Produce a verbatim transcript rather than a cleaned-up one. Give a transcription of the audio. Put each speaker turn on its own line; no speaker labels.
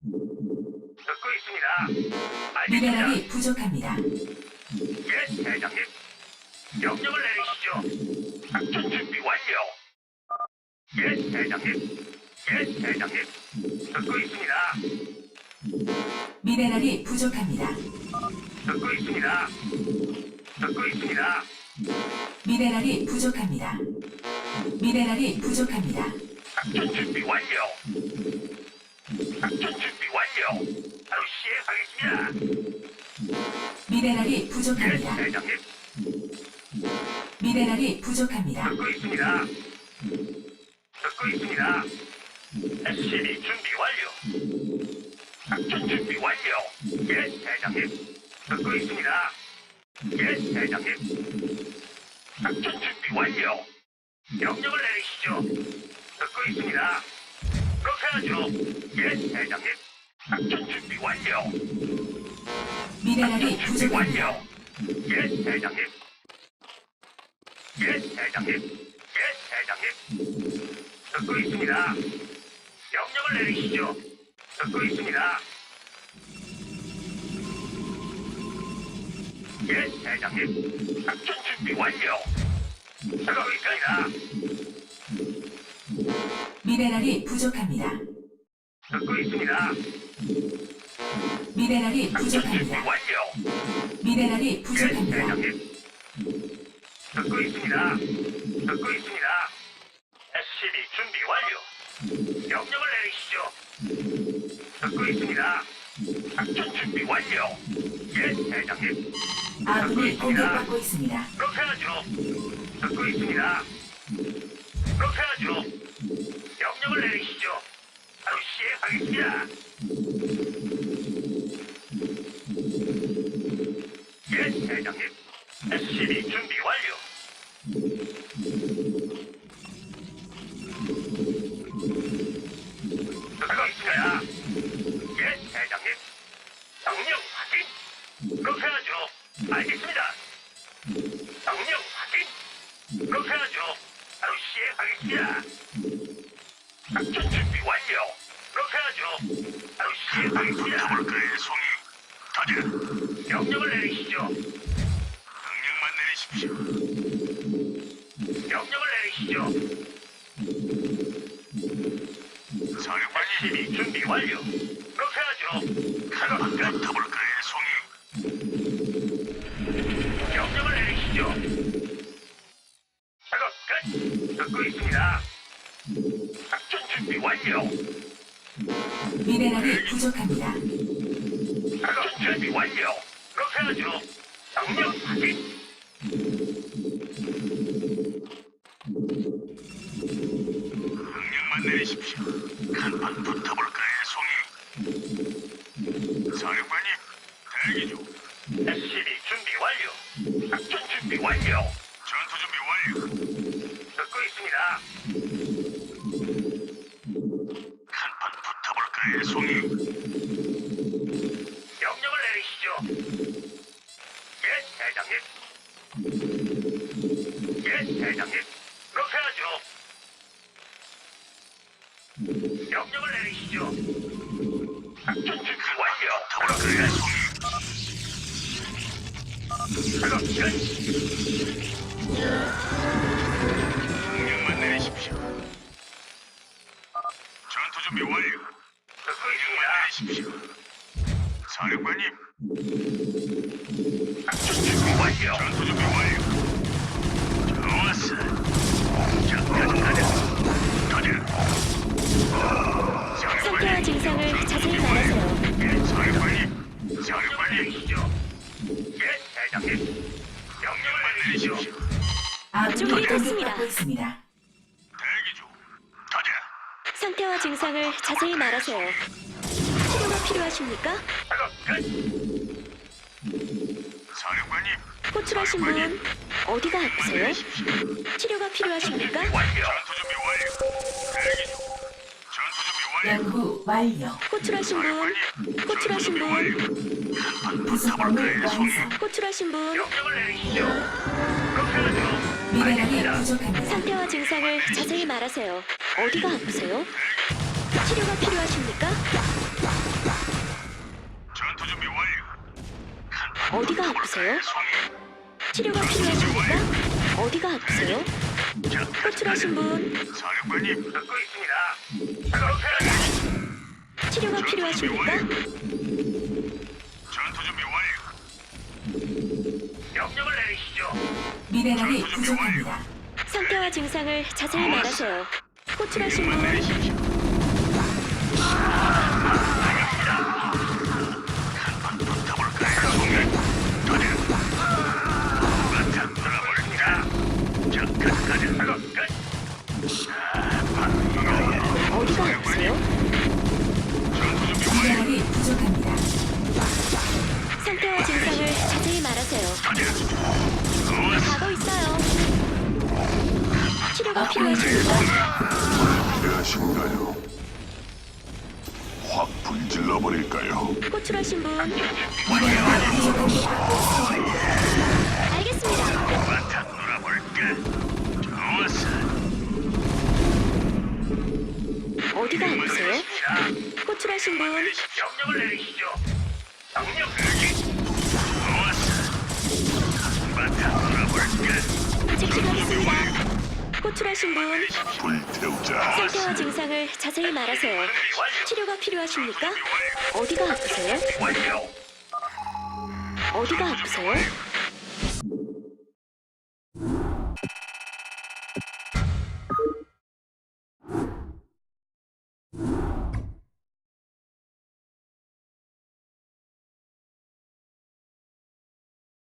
듣고 있습니다. 알겠습니다.
미네랄이 부족합니다.
예, 대장님. 명령을 내리시죠. 작전 준비 완료. 예, 대장님. 예, 대장님. 듣고 있습니다.
미네랄이 부족합니다.
듣고 있습니다. 듣고 있습니다.
미네랄이 부족합니다. 미네랄이 부족합니다.
작전 준비 완료. 작전 준비 완료. 바로 시행하겠습니다.
미네랄이
예,
부족합니다.
대장님.
미네랄이 부족합니다.
듣고 있습니다. 듣고 있습니다. 에스씨비 준비 완료. 작전 준비 완료. 예, 대장님. 듣고 있습니다. 예, 대장님. 작전 준비 완료. 명령을 내리시죠. 듣고 있습니다. 그렇게 하죠. 예, 대장님. 작전 준비 완료.
미네랄이
작전 준비
부족합니다.
완료. 예, 대장님. 예, 대장님. 예, 대장님. 듣고 있습니다. 명령을 내리시죠. 듣고 있습니다. 예, 대장님. 작전 준비 완료. 작업 있습니다.
미네랄이 부족합니다.
듣고 있습니다.
미네랄이
작전 준비
부족합니다.
완료.
미네랄이
예,
부족합니다.
대장님. 듣고 있습니다. 듣고 있습니다. 에스씨비 준비 완료. 명령을 내리시죠. 듣고 있습니다. 작전 준비 완료. 예, 대장님. 듣고
아군이
있습니다.
공격받고 있습니다.
그렇게 하죠. 듣고 있습니다. 그렇게 하죠. 명령을 내리시죠. 바로 시행하겠습니다. 예, 대장님. 에스씨비 준비 완료. 듣고 있습니다. 예, 대장님. 명령 확인. 그렇게 하죠. 알겠습니다. 명령 확인. 그렇게 하죠. 바로 시행하겠습니다. 작전 준비 완료. 그렇게 하죠. 바로 시행하겠습니다.
붙어볼까요, 송이? 가자.
명령을 내리시죠.
강력만 내리십시오.
명령을 내리시죠.
사령관님,
에스씨비 준비 완료. 그렇게 하죠. 작업 끝.
붙어볼까요, 송이?
명령을 내리시죠. 작업 끝. 듣고 있습니다. 작전 준비 완료.
미네랄이 부족합니다.
작업 준비 완료. 그렇게 하죠. 명령 확인.
강력만 내리십시오. 간판 붙어볼까요, 송이? 사령관님, 대기 중.
에스씨비 준비 완료. 작전 준비 완료.
전투 준비 완료.
듣고 있습니다.
간판 붙어볼까요, 송이?
명령을 내리시죠. 예, 대장님. 예, 대장님. 그렇게 하죠. 명령을 내리시죠. 작전 준비 완료.
붙어볼까요, 송이?
작업 끝.
강력만 내리십시오. 전투 준비 완료.
듣고
강력만
있습니다.
내리십시오. 사령관님,
작전 준비 완료.
전투 준비 완료. 좋았어. 자, 가자, 가자. 가자.
상태와 증상을 자세히 말하세요.
예, 사령관님.
명령을
사령관님,
내리시죠. 예, 대장님. 명령을 내리시죠.
내리십시오.
아군이
준비됐습니다.
공격받고 있습니다.
대기 중. 가자.
상태와 증상을 자세히 말하세요. 치료가 필요하십니까?
작업 끝.
사령관님,
호출하신 분 어디가 아프세요?
내리십시오.
치료가 필요하십니까?
완료.
전투 준비 완료. 대기 중. 전투 준비 완료.
연구 완료.
호출하신 분 호출하신 분
부속범을 완성.
호출하신 분
명령을 내리시죠. 그렇게 하죠.
미네랄이
알겠습니다.
부족합니다.
상태와 증상을 자세히 말하세요. 어디가 아프세요? 치료가 필요하십니까? 어디가 아프세요? 치료가 필요하십니까? 어디가 아프세요? 호출하신 분,
사령관님,
듣고 있습니다. 작업 끝.
치료가 필요하십니까?
전투 준비 완료.
명령을 내리시죠.
미네랄이 부족합니다.
상태와 증상을 자세히 말하세요. 호출하신 분,
내리십시오.
붙어볼까요, 송이? 터져. 바탕 돌아볼까? 자, 끝까지 작업 끝.
어디가 아프세요?
전투 준비 완료.
미네랄이 부족합니다.
상태와 증상을 자세히 말하세요. 가고 있어요. 치료가 필요하십니까?
필요하신가요? 확 불질러 버릴까요?
호출하신 분,
미네랄이 부족합니다.
알겠습니다.
바탕 돌아볼까? 좋았어.
어디가 아프세요? 호출하신 분,
명령을 내리시죠. 명령 대기. 좋았어. 바탕 돌아볼까?
즉시 가겠습니다. 호출하신 분,
불태우자.
상태와 증상을 자세히 말하세요. 치료가 필요하십니까? 어디가 아프세요?
완료.
어디가 아프세요?